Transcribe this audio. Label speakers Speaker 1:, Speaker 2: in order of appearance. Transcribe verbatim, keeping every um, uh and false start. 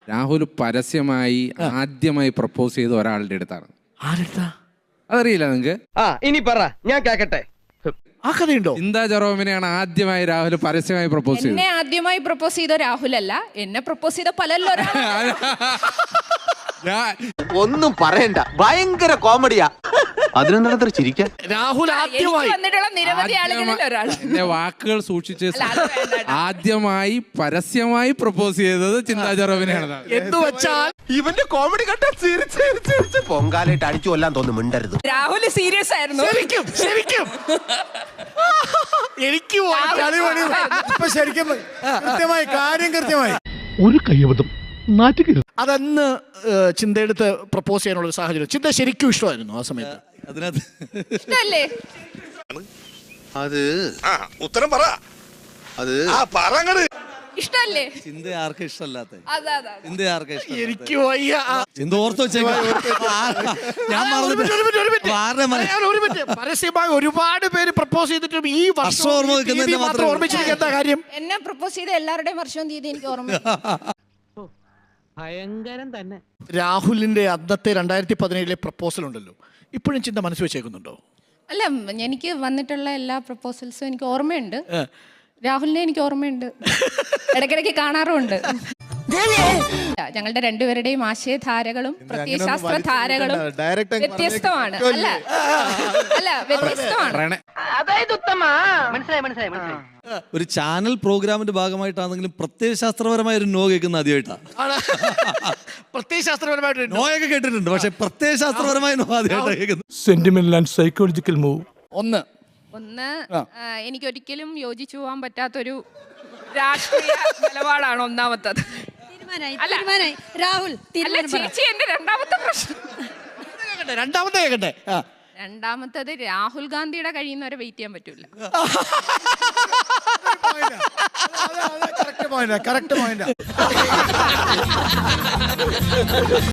Speaker 1: രാഹുൽ പരസ്യമായി ആദ്യമായി പ്രപ്പോസ് ചെയ്ത ഒരാളുടെ അടുത്താണ്.
Speaker 2: ആരെടുത്താ?
Speaker 1: അതറിയില്ല നിങ്ങക്ക്?
Speaker 3: ആ ഇനി പറ, ഞാൻ കേക്കട്ടെ.
Speaker 2: ആ കഥയുണ്ടോ?
Speaker 1: ചിന്താ ജെറോമിനെയാണ് ആദ്യമായി രാഹുൽ പരസ്യമായി പ്രപ്പോസ് ചെയ്തത്.
Speaker 4: എന്നെ ആദ്യമായി പ്രപ്പോസ് ചെയ്ത രാഹുൽ അല്ല, എന്നെ പ്രപ്പോസ് ചെയ്ത പലല്ലോ.
Speaker 5: ഒന്നും പറയണ്ട, ഭയങ്കര കോമഡിയാ. അതിനെന്താ ചിരിക്കാൻ?
Speaker 2: രാഹുൽ ആദ്യമായി
Speaker 4: വന്നിട്ടുള്ള നിരവധി ആളുകളിൽ ഒരാൾ.
Speaker 1: എന്റെ വാക്കുകൾ സൂക്ഷിച്ച് ആദ്യമായി പരസ്യമായി പ്രപ്പോസ് ചെയ്തത് ചിന്താ ജെറോമിനെയാണ്.
Speaker 2: എന്ന് വെച്ചാൽ
Speaker 5: ഇവന്റെ കോമഡി കണ്ട ചിരിച്ച് പൊങ്കാലായിട്ട് അടിച്ചു കൊല്ലാൻ തോന്നുന്നു. മിണ്ടരുത്.
Speaker 4: രാഹുൽ സീരിയസ് ആയിരുന്നു.
Speaker 2: ശരിക്കും ശരിക്കും എനിക്ക്
Speaker 6: ഇപ്പൊ ശരിക്കും കൃത്യമായി കാര്യം കൃത്യമായി
Speaker 7: ഒരു കയ്യബദ്ധം നാറ്റുകരുത്.
Speaker 2: അതന്ന് ചിന്തയെടുത്ത് പ്രപ്പോസ് ചെയ്യാനുള്ള ഒരു സാഹചര്യം. ചിന്ത ശരിക്കും ഇഷ്ടമായിരുന്നു ആ സമയത്ത്.
Speaker 7: അതിനകത്ത്
Speaker 4: ഇഷ്ടല്ലേ?
Speaker 5: അത്
Speaker 8: ഉത്തരം പറ.
Speaker 5: അത്
Speaker 4: ഇഷ്ടല്ലേ?
Speaker 7: ചിന്ത ആർക്കും ഇഷ്ടമല്ലാത്ത
Speaker 4: അതെ അതെ
Speaker 7: ചിന്ത ആർക്കും ഇഷ്ടം.
Speaker 2: എനിക്ക് വയ്യ.
Speaker 7: ചിന്ത ഓർത്ത് വെച്ചേക്കാം. ഞാൻ
Speaker 2: പരസ്യമായി ഒരുപാട് പേര് പ്രപ്പോസ് ചെയ്തിട്ടും ഈ വർഷം ഓർമ്മിച്ചിരിക്കുന്ന കാര്യം.
Speaker 4: എന്നെ പ്രപ്പോസ് ചെയ്ത എല്ലാവരുടെയും വർഷവും തീയതി എനിക്ക് ഓർമ്മ.
Speaker 3: ഭയങ്കരം തന്നെ.
Speaker 2: രാഹുലിന്റെ അന്നത്തെ രണ്ടായിരത്തി പതിനേഴിലെ പ്രപ്പോസൽ ഉണ്ടല്ലോ, ഇപ്പോഴും ചിന്ത മനസ്സ് വെച്ചേക്കുന്നുണ്ടോ?
Speaker 4: അല്ല, എനിക്ക് വന്നിട്ടുള്ള എല്ലാ പ്രപ്പോസൽസും എനിക്ക് ഓർമ്മയുണ്ട്. രാഹുലിനെ എനിക്ക് ഓർമ്മയുണ്ട്, ഇടയ്ക്കിടയ്ക്ക് കാണാറുമുണ്ട്. ഞങ്ങളുടെ രണ്ടുപേരുടെയും ആശയധാരകളും പ്രത്യയശാസ്ത്ര ധാരകളും വ്യത്യസ്തമാണ്. അല്ല അല്ല വ്യത്യസ്തമാണ്.
Speaker 3: അതായത് ഉത്തമ മനസ്സിലായി മനസ്സിലായി മനസ്സിലായി.
Speaker 7: ഒരു ചാനൽ പ്രോഗ്രാമിന്റെ ഭാഗമായിട്ടാണെങ്കിലും പ്രത്യയശാസ്ത്രപരമായ ഒരു നോ കേൾക്കുന്ന ആദ്യമായിട്ടാണ്.
Speaker 2: പ്രത്യയശാസ്ത്രപരമായിട്ട്
Speaker 7: നോയൊക്കെ കേട്ടിട്ടുണ്ട്, പക്ഷെ പ്രത്യയശാസ്ത്രപരമായ നോ ആദ്യമായിട്ടാണ് കേൾക്കുന്നത്.
Speaker 6: Sentimental and psychological move.
Speaker 2: ഒന്ന്
Speaker 4: ഒന്ന് എനിക്കൊരിക്കലും യോജിച്ചു പോകാൻ പറ്റാത്തൊരു രാഷ്ട്രീയ നിലപാടാണ് ഒന്നാമത്തത്. രാഹുൽ ചേച്ചി എന്റെ രണ്ടാമത്തെ പ്രശ്നം.
Speaker 2: രണ്ടാമത്തെ കേൾക്കട്ടെ.
Speaker 4: രണ്ടാമത്തത് രാഹുൽ ഗാന്ധിയുടെ കഴിയുന്നവരെ വെയിറ്റ് ചെയ്യാൻ പറ്റൂല.
Speaker 6: Correct point correct point